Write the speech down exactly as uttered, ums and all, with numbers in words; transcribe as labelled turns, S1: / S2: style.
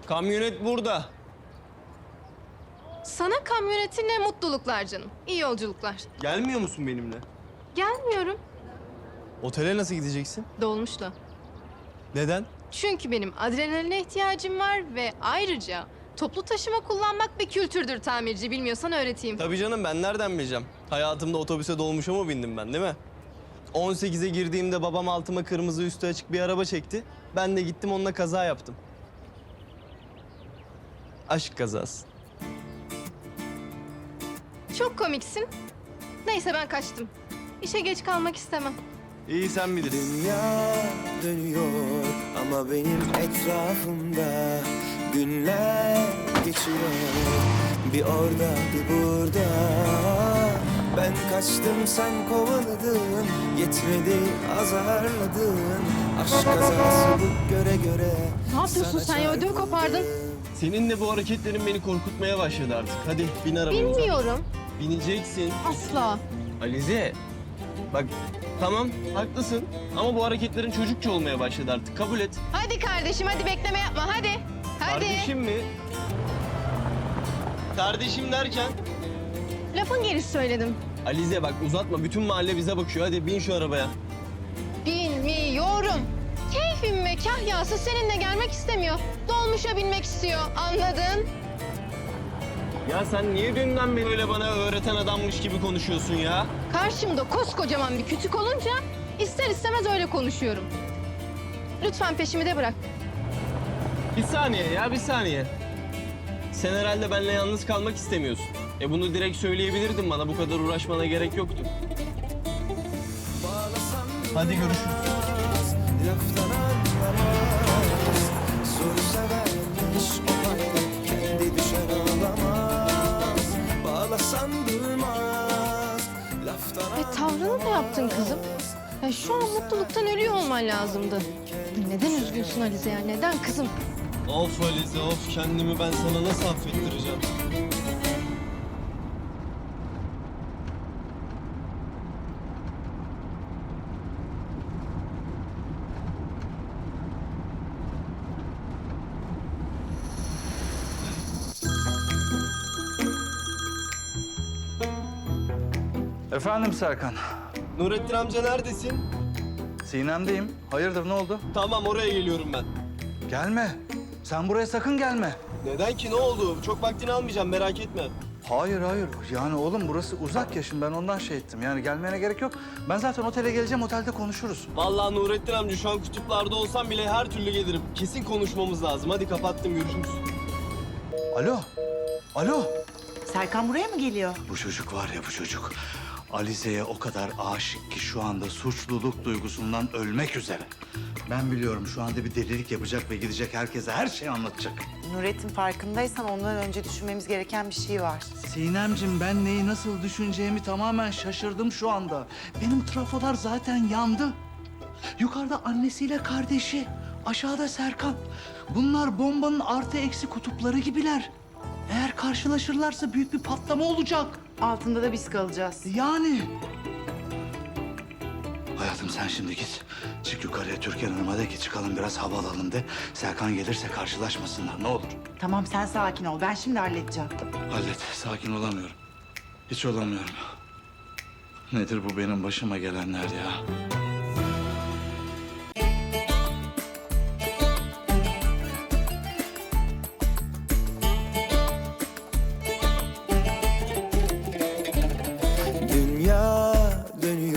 S1: Kamyonet burada.
S2: Sana kamyonetinle mutluluklar canım. İyi yolculuklar.
S1: Gelmiyor musun benimle?
S2: Gelmiyorum.
S1: Otele nasıl gideceksin?
S2: Dolmuşla.
S1: Neden?
S2: Çünkü benim adrenaline ihtiyacım var ve ayrıca toplu taşıma kullanmak bir kültürdür tamirci. Bilmiyorsan öğreteyim.
S1: Tabii canım, ben nereden bileceğim? Hayatımda otobüse dolmuşa mı bindim ben, değil mi? on sekize girdiğimde babam altıma kırmızı üstü açık bir araba çekti. Ben de gittim onunla kaza yaptım. Aşk kazası.
S2: Çok komiksin. Neyse ben kaçtım. İşe geç kalmak istemem.
S1: İyi, sen bilirsin.
S3: Dünya dönüyor ama benim etrafımda günler geçiyor. Bir orada bir burada. Ben kaçtım sen kovaladın. Yetmedi azarladın. Aşk kazası bu göre göre.
S2: Ne yapıyorsun sen ya? Ödümü kopardın.
S1: Senin de bu hareketlerin beni korkutmaya başladı artık. Hadi bin arabamıza.
S2: Bilmiyorum.
S1: Bineceksin.
S2: Asla.
S1: Alize, bak tamam haklısın ama bu hareketlerin çocukça olmaya başladı artık. Kabul et.
S2: Hadi kardeşim hadi bekleme yapma hadi. Hadi.
S1: Kardeşim mi? Kardeşim derken?
S2: Lafın gelişi söyledim.
S1: Alize bak uzatma, bütün mahalle bize bakıyor. Hadi bin şu arabaya.
S2: Bilmiyorum. Keyfim ve kahyası seninle gelmek istemiyor. Dolmuşa binmek istiyor. Anladın?
S1: Ya sen niye dünden beri öyle bana öğreten adammış gibi konuşuyorsun ya?
S2: Karşımda koskocaman bir kütük olunca ister istemez öyle konuşuyorum. Lütfen peşimi de bırak.
S1: Bir saniye ya, bir saniye. Sen herhalde benimle yalnız kalmak istemiyorsun. E bunu direkt söyleyebilirdin bana, bu kadar uğraşmana gerek yoktu. Hadi görüşürüz.
S3: Laftan anlamaz. Soru severmiş o halde kendi düşer olamaz. Bağlasan durmaz. Laftan
S2: E tavrını da yaptın kızım. Ya şu an mutluluktan ölüyor olman lazımdı. Neden üzgünsün Alize ya? Neden kızım?
S1: Of Alize of, kendimi ben sana nasıl affettireceğim?
S4: Efendim Serkan.
S1: Nurettin amca neredesin?
S4: Sinem'deyim. Hayırdır ne oldu?
S1: Tamam, oraya geliyorum ben.
S4: Gelme. Sen buraya sakın gelme.
S1: Neden ki, ne oldu? Çok vaktini almayacağım, merak etme.
S4: Hayır hayır. Yani oğlum burası uzak ya, şimdi ben ondan şey ettim. Yani gelmene gerek yok. Ben zaten otele geleceğim, otelde konuşuruz.
S1: Vallahi Nurettin amca şu an kutuplarda olsam bile her türlü gelirim. Kesin konuşmamız lazım. Hadi kapattım, görüşürüz.
S4: Alo. Alo.
S5: Serkan buraya mı geliyor?
S4: Bu çocuk var ya bu çocuk. Alize'ye o kadar aşık ki şu anda suçluluk duygusundan ölmek üzere. Ben biliyorum şu anda bir delilik yapacak ve gidecek herkese her şeyi anlatacak.
S5: Nurettin farkındaysan ondan önce düşünmemiz gereken bir şey var.
S4: Sinemcim ben neyi nasıl düşüneceğimi tamamen şaşırdım şu anda. Benim trafolar zaten yandı. Yukarıda annesiyle kardeşi, aşağıda Serkan. Bunlar bombanın artı eksi kutupları gibiler. Eğer karşılaşırlarsa büyük bir patlama olacak.
S5: Altında da biz kalacağız.
S4: Yani. Hayatım sen şimdi git. Çık yukarıya Türkan Hanım'a de ki çıkalım biraz hava alalım de. Serkan gelirse karşılaşmasınlar ne olur.
S5: Tamam sen sakin ol. Ben şimdi halledeceğim.
S4: Hallet. Sakin olamıyorum. Hiç olamıyorum. Nedir bu benim başıma gelenler ya?